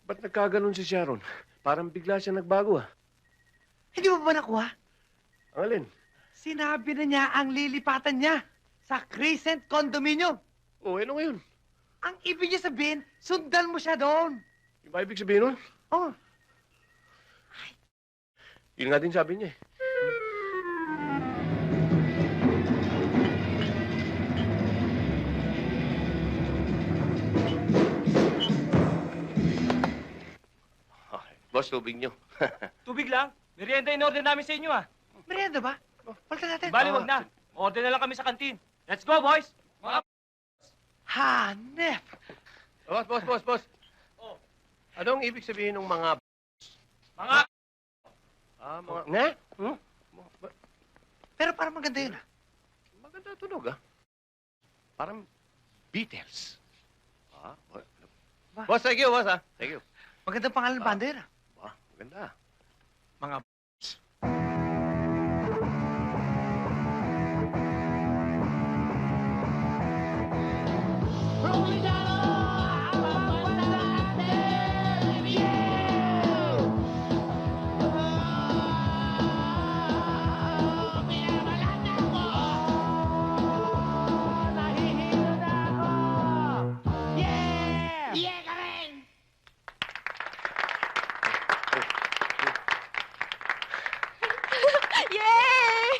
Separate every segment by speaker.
Speaker 1: Ba't nagkaganon si Sharon? Parang bigla siya nagbago, ah.
Speaker 2: Hindi mo ba nakuha?
Speaker 1: Ang alin?
Speaker 2: Sinabi na niya ang lilipatan niya sa Crescent Condominium.
Speaker 1: Oh, ano ngayon?
Speaker 2: Ang ibig niya sabihin, sundan mo siya doon.
Speaker 1: Yung ba ibig sabihin nun?
Speaker 2: Oh,
Speaker 1: Yun nga din sabi niya, eh. Boss, tubig niyo.
Speaker 3: Tubig lang. Merienda in order namin sa inyo, ah.
Speaker 2: merienda ba? Palitan natin.
Speaker 3: Bali, wag na. Order na lang kami sa kantin. Let's go, boys! Mga...
Speaker 2: Hanep!
Speaker 1: Boss.
Speaker 3: Oh.
Speaker 1: Anong ibig sabihin ng mga...
Speaker 3: Mga...
Speaker 1: mga... Nga? Hmm?
Speaker 2: Pero parang maganda yun, ah.
Speaker 1: Maganda tunog, ah. Parang Beatles. Ah, boss, thank you, boss, ah. Thank you.
Speaker 2: Magandang pangalan ng banda yun, ah.
Speaker 1: Maganda.
Speaker 3: Mga...
Speaker 4: Yay!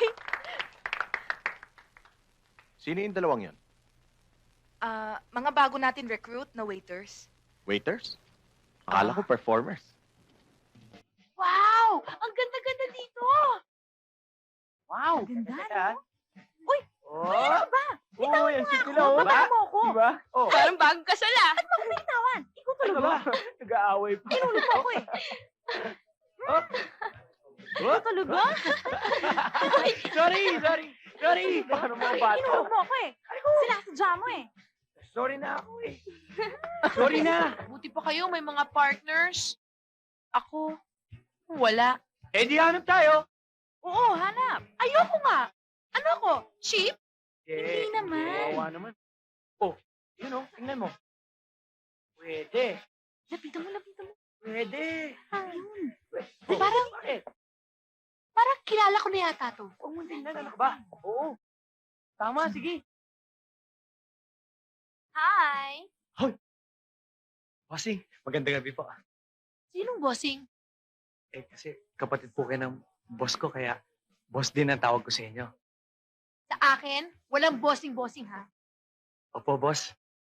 Speaker 5: Sino yung dalawang yon?
Speaker 4: Mga bago natin recruit na waiters.
Speaker 5: Waiters? Akala ko performers.
Speaker 4: Wow! Ang ganda-ganda dito!
Speaker 3: Wow!
Speaker 4: Ang ganda,
Speaker 3: Ganda,
Speaker 4: no? Uy!
Speaker 3: Oh!
Speaker 4: Ano ba?
Speaker 3: Oh, yan si Tila, oh.
Speaker 4: Baba mo ako.
Speaker 3: Diba? Oh.
Speaker 4: Parang bagong kasal ah. At bakit may tawan? Ikaw
Speaker 3: Ano
Speaker 4: talaga.
Speaker 3: ba? Nag-aaway pa.
Speaker 4: Tinulog mo ako eh.
Speaker 3: Oh.
Speaker 4: Ikaw talaga?
Speaker 3: Sorry! Baka naman ang bata.
Speaker 4: Tinulog mo ako eh. Sinasadya mo eh.
Speaker 3: Sorry na ako eh. Sorry na.
Speaker 6: Buti pa kayo, may mga partners. Ako, wala.
Speaker 3: Eh, di hanap tayo.
Speaker 6: Oo, hanap. Ayoko nga. Ano ako? Cheap?
Speaker 3: Eh,
Speaker 4: Hindi naman.
Speaker 3: kawawa naman. Oh, yun oh, tingnan mo. Pwede.
Speaker 4: Lapitan mo.
Speaker 3: Pwede.
Speaker 4: Ayun.
Speaker 3: Oh,
Speaker 6: Parang-
Speaker 3: bakit?
Speaker 6: Parang kilala ko na yata to.
Speaker 3: Huwag mo tingnan, ano ka ba? Oo. Tama, sige.
Speaker 6: Hi!
Speaker 7: Bossing, magandang gabi po.
Speaker 6: Sinong bossing?
Speaker 7: Eh, kasi kapatid po kayo ng boss ko, kaya boss din ang tawag ko sa inyo.
Speaker 6: Sa akin, walang bossing-bossing ha.
Speaker 7: Opo, boss.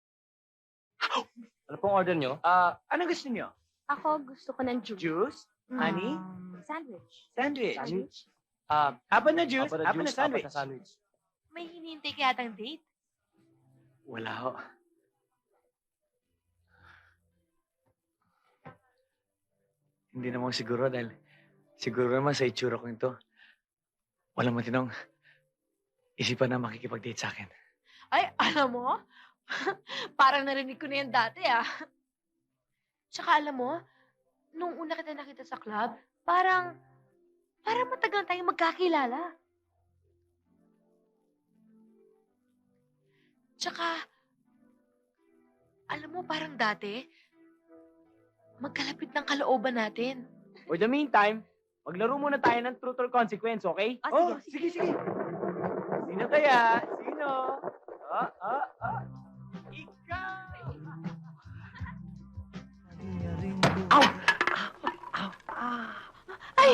Speaker 3: Ano pong order nyo? Ano gusto nyo?
Speaker 6: Ako, gusto ko ng juice.
Speaker 3: Juice? Honey?
Speaker 6: Sandwich.
Speaker 3: Sandwich? Apat na juice, apat na sandwich.
Speaker 6: May hinihintay ka yatang date.
Speaker 7: Wala ho. Hindi naman siguro dahil siguro naman sa itsura ko ito, walang matinong isipan na makikipag-date sa akin.
Speaker 6: Ay, alam mo? Parang narinig ko na yan dati ah. Tsaka alam mo, nung una kita nakita sa club, parang matagal tayong magkakilala. Tsaka, alam mo, parang dati, magkalapit ng kalooban natin.
Speaker 3: For the meantime, maglaro muna tayo ng truth or consequence, okay?
Speaker 6: Ah,
Speaker 3: sige. Sino kaya? Sino? Ikaw!
Speaker 2: Ow!
Speaker 6: Ay!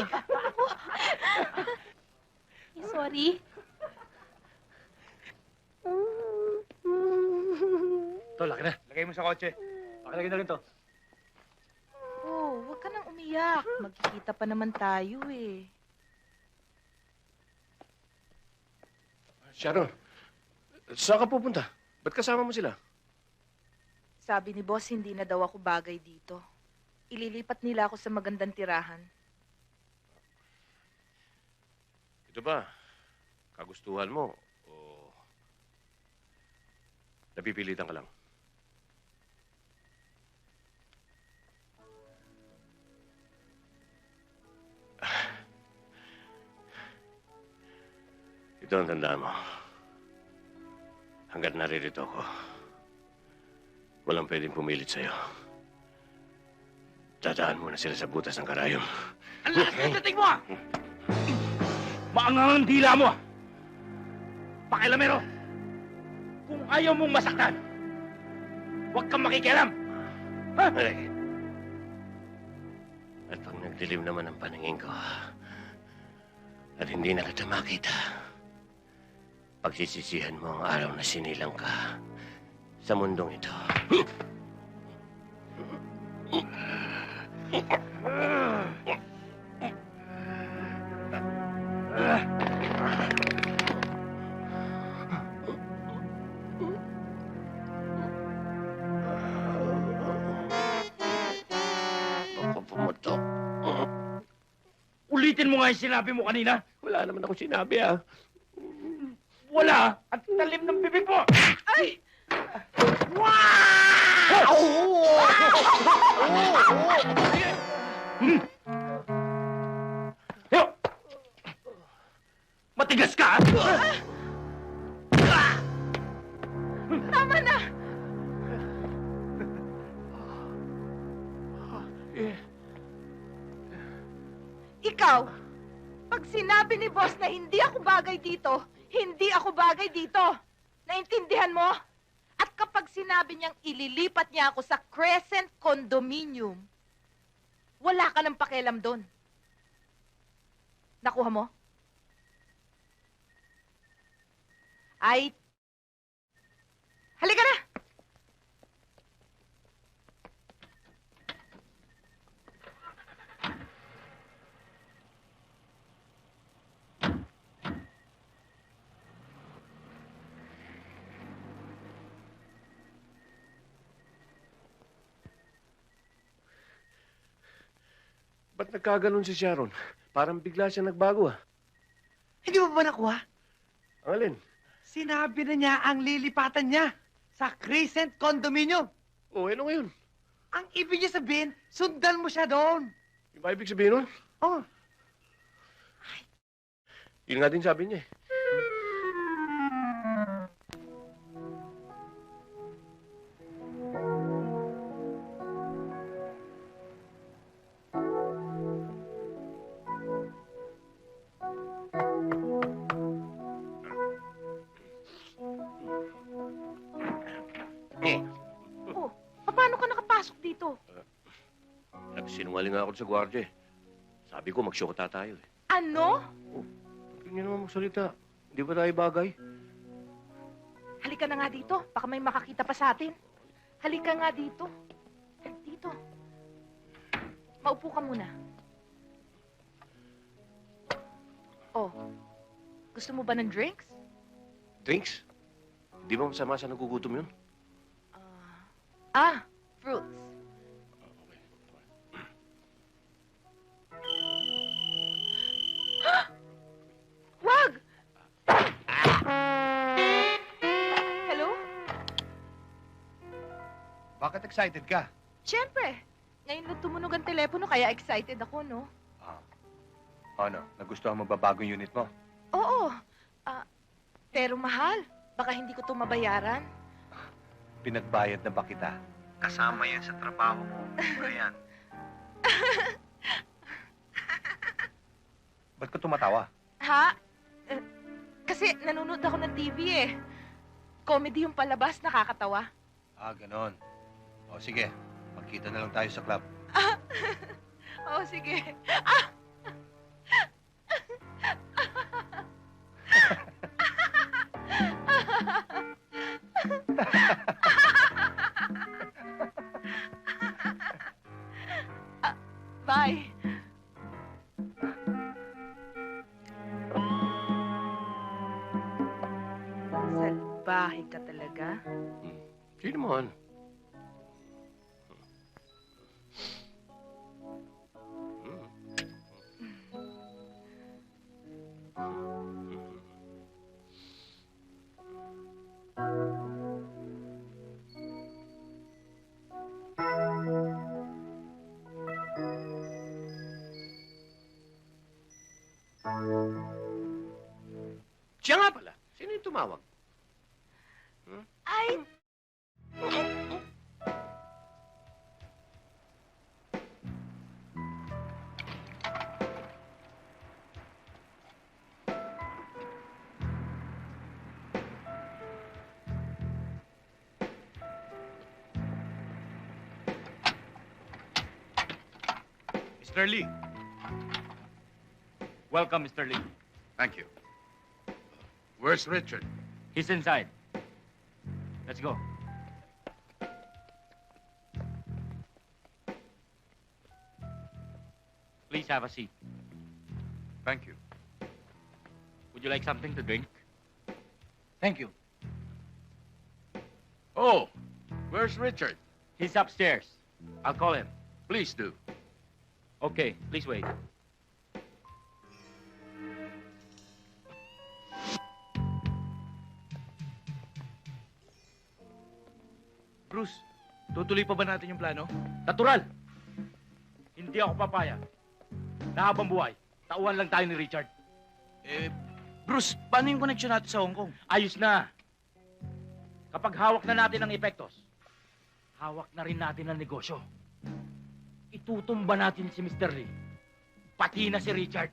Speaker 6: Sorry.
Speaker 7: Ito, laki na.
Speaker 3: Lagay mo sa kotse. Pakilagay na rin to.
Speaker 4: Oh, huwag ka nang umiyak. Magkikita pa naman tayo eh.
Speaker 1: Sharon, saan ka pupunta? Ba't kasama mo sila?
Speaker 4: Sabi ni boss, hindi na daw ako bagay dito. Ililipat nila ako sa magandang tirahan.
Speaker 1: Ito ba? Kagustuhan mo? O napipilitan ka lang? Ito ang tandaan mo. Hanggat naririto ako, walang pwedeng pumilit sa'yo. Dadaan muna sila sa butas ng karayom.
Speaker 3: Ang lakas ng dating mo, ah! Maangang ang dila mo, ah! Pakialamero! Kung ayaw mong masaktan, huwag kang makikialam! Ha?
Speaker 1: Ay. At pag nagdilim naman ang paningin ko, at hindi na kita makita, pagsisisihan mo ang araw na sinilang ka sa mundong ito. Ako pumutok.
Speaker 3: Ulitin mo nga yung sinabi mo kanina.
Speaker 1: Wala naman ako sinabi, ah.
Speaker 3: Wala! Ang talim ng bibig mo!
Speaker 4: Ay!
Speaker 3: Yo! Matigas ka!
Speaker 4: Tama na! Ikaw, pag sinabi ni boss na hindi ako bagay dito, hindi ako bagay dito. Naintindihan mo? At kapag sinabi niyang ililipat niya ako sa Crescent Condominium, wala ka ng pakialam doon. Nakuha mo? Ay, halika na!
Speaker 1: Ba't nagkaganon si Sharon? Parang bigla siya nagbago, ah.
Speaker 2: Hindi mo ba nakuha?
Speaker 1: Ang alin?
Speaker 2: Sinabi na niya ang lilipatan niya sa Crescent Condominium.
Speaker 1: Oh, ano ngayon?
Speaker 2: Ang ibig niya sabihin, sundan mo siya doon.
Speaker 1: Yung ba ibig sabihin nun?
Speaker 2: Oh,
Speaker 1: Yun nga din sabi niya, eh.
Speaker 4: Oh, paano ka nakapasok dito?
Speaker 1: Nagsinungaling nga ako sa gwardiya, eh. Sabi ko, mag-shota tayo, eh.
Speaker 4: Ano?
Speaker 1: Huwag niyo naman magsalita. Hindi ba tayo bagay?
Speaker 4: Halika na nga dito. Baka may makakita pa sa atin. Halika nga dito. Dito. Maupo ka muna. Oh, gusto mo ba ng drinks?
Speaker 1: Drinks? Di ba masama sa nagugutom yun?
Speaker 4: Fruits. Wag! Hello?
Speaker 2: bakit excited ka?
Speaker 4: Siyempre. Ngayon lang tumunog ang telepono, kaya excited ako, no?
Speaker 5: Ano, nagustuhan mo ba bagong unit mo?
Speaker 4: Oo. Pero mahal. Baka hindi ko ito mabayaran.
Speaker 5: Pinagbayad na ba kita? Kasama yan sa trabaho mo, Brian. Ba't ka tumatawa?
Speaker 4: Ha? Kasi nanonood ako ng TV eh. Comedy yung palabas, nakakatawa.
Speaker 5: Ganon. O sige, magkita na lang tayo sa club.
Speaker 4: Oo, sige. Bye. Salbahe ka talaga.
Speaker 1: Sino man? Siya nga pala. Sino yung tumawag?
Speaker 4: Ay,
Speaker 3: Mr. Lee. Welcome, Mr. Lee.
Speaker 8: Thank you. Where's Richard?
Speaker 3: He's inside. Let's go. Please have a seat.
Speaker 8: Thank you.
Speaker 3: Would you like something to drink?
Speaker 7: Thank you.
Speaker 8: Oh, where's Richard?
Speaker 3: He's upstairs. I'll call him.
Speaker 8: Please do.
Speaker 3: Okay, please wait.
Speaker 7: Bruce, tutuloy pa ba natin yung plano?
Speaker 3: Natural! Hindi ako papayag. Na habang buhay, tauhan lang tayo ni Richard.
Speaker 7: Bruce, paano yung connection natin sa Hong Kong?
Speaker 3: Ayos na! Kapag hawak na natin ang epektos, hawak na rin natin ang negosyo. Itutumba natin si Mr. Lee. Pati na si Richard.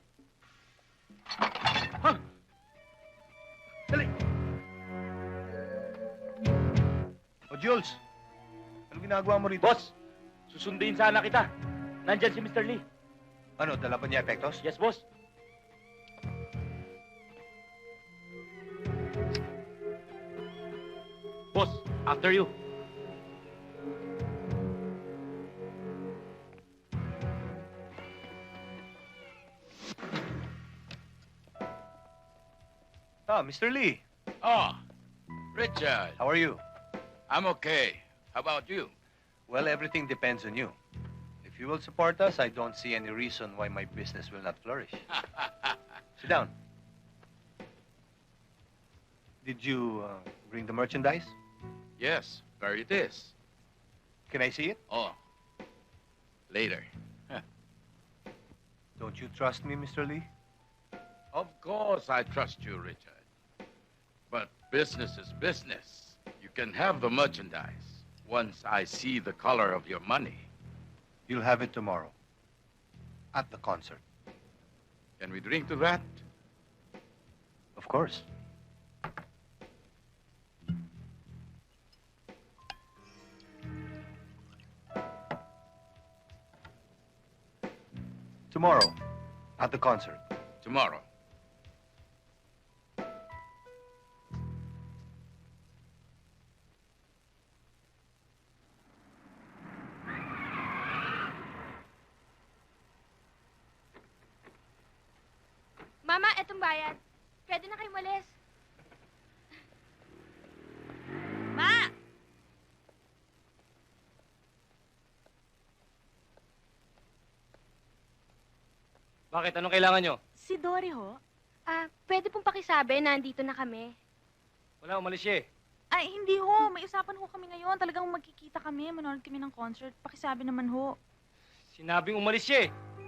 Speaker 3: Ha? Dali!
Speaker 5: O Jules, ano ginagawa mo rito?
Speaker 3: Boss, susunduin sana kita. Nandyan si Mr. Lee.
Speaker 5: Ano, dala pa niya epektos?
Speaker 3: Yes, boss. Boss, after you.
Speaker 5: Ah, Mr. Lee,
Speaker 8: Oh, Richard.
Speaker 5: how are you?
Speaker 8: I'm okay. How about you?
Speaker 5: Well, everything depends on you. If you will support us, I don't see any reason why my business will not flourish. Sit down. Did you bring the merchandise?
Speaker 8: Yes, there it is.
Speaker 5: Can I see it?
Speaker 8: Oh, later.
Speaker 5: Don't you trust me, Mr. Lee?
Speaker 8: Of course I trust you, Richard. But business is business. You can have the merchandise once I see the color of your money.
Speaker 5: You'll have it tomorrow. At the concert.
Speaker 8: Can we drink to that?
Speaker 5: Of course. Tomorrow, at the concert.
Speaker 8: Tomorrow.
Speaker 6: Mama, etong bayad. Pwede na kayo malis. Ma!
Speaker 3: Bakit? Anong kailangan nyo?
Speaker 4: Si Dory ho?
Speaker 6: Pwede pong pakisabi na andito na kami.
Speaker 3: Wala, umalis siya eh.
Speaker 4: Ay, hindi ho. May usapan ho kami ngayon. Talagang magkikita kami. Manonood kami ng concert. Pakisabi naman ho.
Speaker 3: Sinabing umalis siya eh.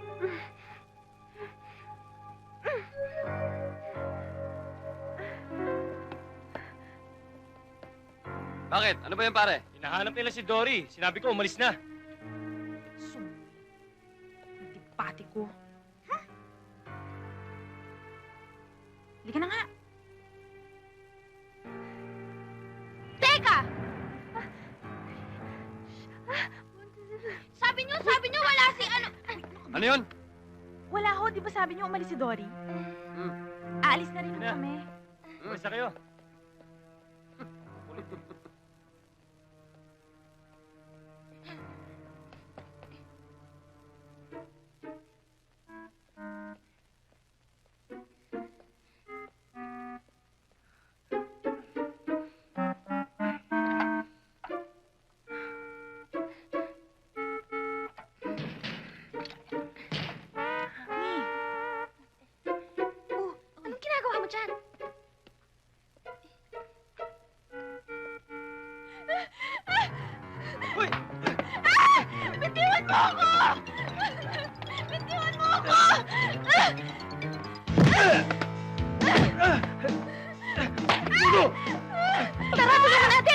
Speaker 1: Bakit? Ano ba yan, pare?
Speaker 3: Hinahanap nila si Dory. Sinabi ko, umalis na.
Speaker 4: Hindi pati ko. Halika na nga.
Speaker 6: Teka! Sabi niyo wala si ano...
Speaker 1: Ano yun?
Speaker 4: Wala ho. Di ba sabi niyo umalis si Dory? Aalis na rin ho
Speaker 3: Sige na.
Speaker 4: kami.
Speaker 3: Basta kayo.
Speaker 6: Anong ginagawa mo dyan?
Speaker 3: Uy!
Speaker 6: Bitiwan mo ako! Bitiwan mo ako! Tara, tulungan natin!